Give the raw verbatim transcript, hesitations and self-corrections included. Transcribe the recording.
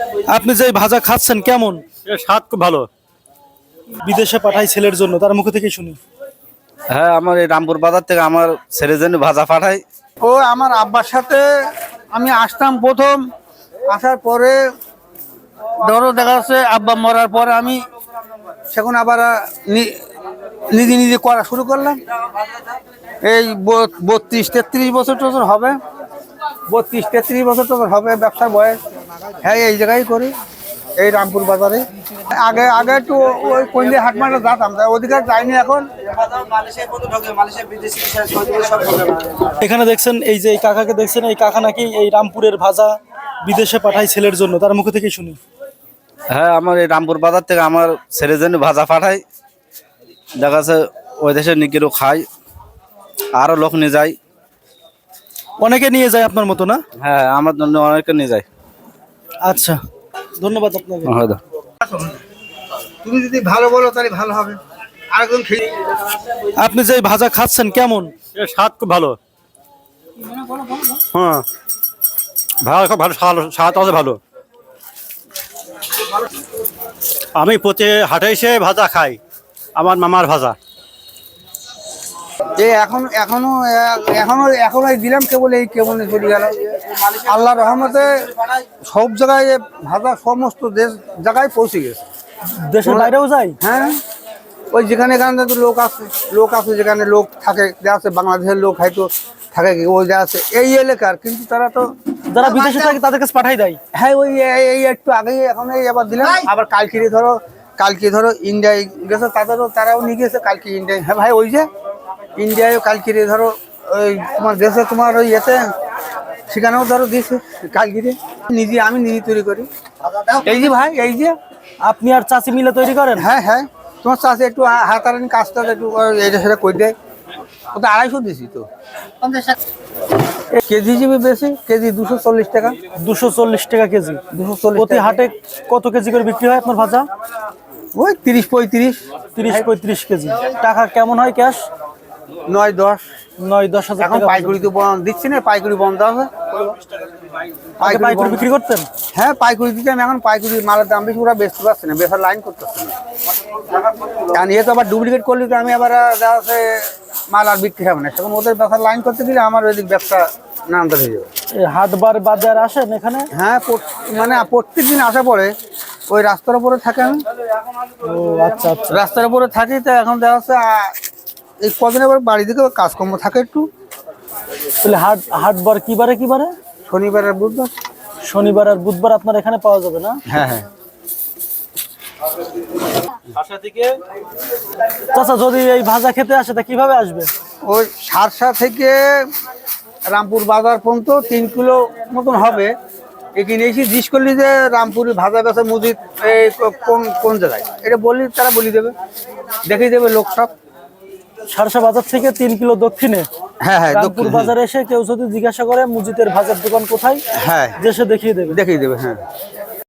আপনি যে ভাজা খাচ্ছেন কেমন? এর স্বাদ খুব ভালো। বিদেশে পাঠাই ছেলের জন্য, তার মুখ থেকে শুনি। হ্যাঁ, আমার এই রামপুর বাজার থেকে আমার ছেলের জন্য ভাজা পাঠাই। ও আমার আব্বার সাথে আমি আসতাম প্রথম, আসার পরে ধরো দেখা যাচ্ছে আব্বা মরার পরে আমি সেখানে আবার নি- নিজে নিজে করা শুরু করলাম। এই ব- বত্রিশ তেত্রিশ বছর টছর হবে, বত্রিশ তেত্রিশ বছর টছর হবে ব্যবসার বয়স। হ্যাঁ, এই জায়গায় করি, এই রামপুর বাজারে। আগে আগে একটু ওই কইলে হাট মাঠে যেতাম, তাই ওদিকে আর যাইনি এখন। এখানে দেখছেন এই যে এই কাকাকে দেখছেন, এই কাকা নাকি এই রামপুরের ভাজা বিদেশে পাঠাই ছেলের জন্য, তার মুখ থেকে শুনি। হ্যাঁ, আমার এই রামপুর বাজার থেকে আমার ছেলের জন্য ভাজা পাঠাই। দেখা যাচ্ছে ওই দেশে নিকিরও খাই, আরো লোক নিয়ে যায়। অনেকে নিয়ে যায় আপনার মতো না? হ্যাঁ, আমার জন্য অনেকে নিয়ে যায়। আচ্ছা, ধন্যবাদ আপনাকে। হয়তো তুমি যদি ভালো বলো তাহলে ভালো হবে। আরেকজন খেয়ে আপনি যে ভাজা খাচ্ছেন কেমন? এর স্বাদ খুব ভালো। হ্যাঁ, ভালো, খুব ভালো স্বাদ, স্বাদ আছে ভালো। আমি প্রতি হাটে এসে ভাজা খাই, আমার মামার ভাজা। এই এখন এখনো এখনো এখনো এই দিলাম কেবল, এই কেবল চলে গেল। আল্লাহ রহমতে সব জায়গায় এ ভাষা সমস্ত দেশ জায়গায় পৌঁছে গেছে। দেশের বাইরেও যায়? হ্যাঁ, ওই যেখানে এখানে তো লোক আছে, লোক আছে যেখানে লোক থাকে, যা আছে বাংলাদেশের লোক হয়তো থাকে কি ওই যা আছে এই এলাকার, কিন্তু তারা তো যারা বিদেশে থাকে তাদের কাছে পাঠাই দেয়। হ্যাঁ, ওই এই- এই একটু আগেই এখন এই আবার দিলাম, আবার কালকে ধরো কালকে ধরো ইন্ডিয়ায় গেছে, তাদেরও তারাও নিয়ে গেছে কালকে ইন্ডিয়ায়। হ্যাঁ ভাই, ওই যে ইন্ডিয়ায় কালকে ধরো ওই তোমার দেশে তোমার ওই এতে সেখানেও ধরো দিয়েছে কালকে নিজে, আমি নিজে তৈরি করি। এই যে ভাই, এই যে আপনি আর চাচি মিলে তৈরি করেন? হ্যাঁ হ্যাঁ, তোমার চাষে একটু হাতারানি কাজটা একটু এইটা সেটা করে দেয়। ওটা আড়াইশো দিছি তো, কেজি হিসেবে বেশি, কেজি দুশো চল্লিশ টাকা। দুশো চল্লিশ টাকা কেজি। দুশো চল্লিশ প্রতি হাটে কত কেজি করে বিক্রি হয় আপনার ভাজা? ওই তিরিশ পঁয়ত্রিশ, তিরিশ পঁয়ত্রিশ কেজি। টাকা কেমন হয় ক্যাশ? নয় দশ। নয় দশ হাজার এখন টাকা। পাইকারি তো বন্ধ দিচ্ছি না, পাইকারি বন্ধ আছে। আগে পাইকারি বন্ধ। বিক্রি করতেন? হ্যাঁ, পাইকারি দিতাম, এখন পাইকারি মালের দাম বেশি, ওরা বেচতে পারছে না, বেচার লাইন করতেছে না। কারণ এ তো আবার ডুপ্লিকেট করলে তো আমি আবার দেখা যাচ্ছে মাল আর বিক্রি হবে না, সেখানে ওদের বেচার লাইন করতে গেলে আমার ওই দিক ব্যবসা নামতে হয়ে যাবে। এই হাটবার বাজার আসেন এখানে? হ্যাঁ, প্রত- মানে প্রত্যেক দিন আসা পরে ওই রাস্তার উপরে থাকে, আমি ও আচ্ছা আচ্ছা। রাস্তার উপরে থাকি, তো এখন দেখা যাচ্ছে আহ, এই কদিন আবার বাড়ি দিকে কাজকর্ম থাকে একটু। তাহলে হাট হাটবার কি বারে কি বারে? শনিবার আর বুধবার। শনিবার আর বুধবার আপনার এখানে পাওয়া যাবে না? হ্যাঁ হ্যাঁ। চাচা যদি এই ভাজা খেতে আসে তা কিভাবে আসবে? ওই সারসা থেকে রামপুর বাজার পর্যন্ত তিন কিলো মতন হবে। এখানে এসে জিজ্ঞেস করলি যে রামপুরের ভাজা বেচা মুদির এই কোন কোন জায়গায়, এটা বললি তারা বলি দেবে, দেখিয়ে দেবে লোক সব। সারসা বাজার থেকে তিন কিলো দক্ষিণে হ্যাঁ হ্যাঁ, রামপুর বাজারে এসে কেউ যদি জিজ্ঞাসা করে মুজিদের ভাজার দোকান কোথায়, হ্যাঁ দেশে দেখিয়ে দেবে। দেখিয়ে দেবে। হ্যাঁ।